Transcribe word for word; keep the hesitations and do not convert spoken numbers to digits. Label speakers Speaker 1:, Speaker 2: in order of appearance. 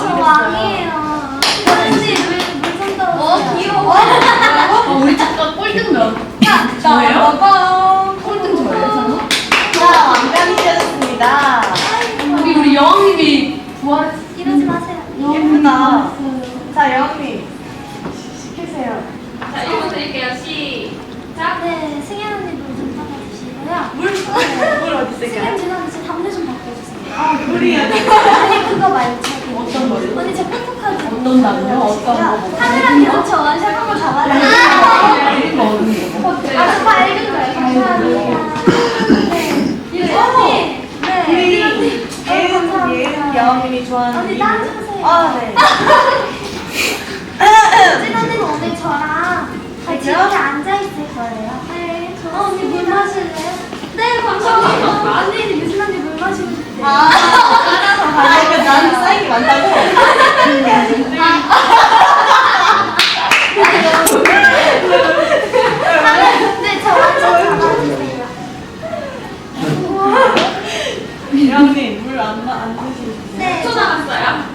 Speaker 1: 저 왕이에요. 왠지 물좀 떨어져.
Speaker 2: 어, 귀여워.
Speaker 3: 어, 우리 잠깐 꼴등 몇? 저예요?
Speaker 2: 빠밤.
Speaker 3: 꼴등 저예요?
Speaker 2: 자, 왕관이 되었습니다.
Speaker 3: 우리 우리 여왕님이 부활했어.
Speaker 1: 이러지 마세요.
Speaker 2: 예쁘다. 자, 여왕님. 시키세요.
Speaker 3: 자, 일 분 드릴게요. 시작.
Speaker 1: 네, 승현 언니 물좀 따라주시고요.
Speaker 2: 물? 물 어디
Speaker 1: 승현
Speaker 2: 있을까요?
Speaker 1: 지난주 제 담배 좀 바꿔주세요.
Speaker 2: 아, 물이요.
Speaker 1: 아니 그거 말고 저기.
Speaker 3: 어떤 거요?
Speaker 1: 언니 제 포토카드.
Speaker 3: 어떤 담요? 어떤 거?
Speaker 1: 카메라 계속 저 원샷 한번 잡아주세요.
Speaker 3: 이런 거 어디 거?
Speaker 1: 아, 저 밝은 거예요. 감사합니다. 네. 유리 언니. 네.
Speaker 2: 우리
Speaker 1: 유리 언니.
Speaker 2: 예은, 예은 여왕님이 좋아하는
Speaker 1: 언니
Speaker 2: 이
Speaker 1: 딴
Speaker 2: 물.
Speaker 1: 주세요.
Speaker 2: 아, 네.
Speaker 1: 진 언니는 오늘 저랑 같이
Speaker 2: 그죠?
Speaker 1: 이렇게 앉아있을 거예요. 네. 어, 언니 물 마실래요? 네, 감사합니다. 언니는 유진 언니 물 마시고 싶대요.
Speaker 2: 아, 아, 이거 나는 쌓인 게 많다고?
Speaker 1: 네, 저 완전 잡아주세요.
Speaker 2: 여왕님, 물 안, 안 드시고.
Speaker 1: 네.
Speaker 3: 초 나갔어요?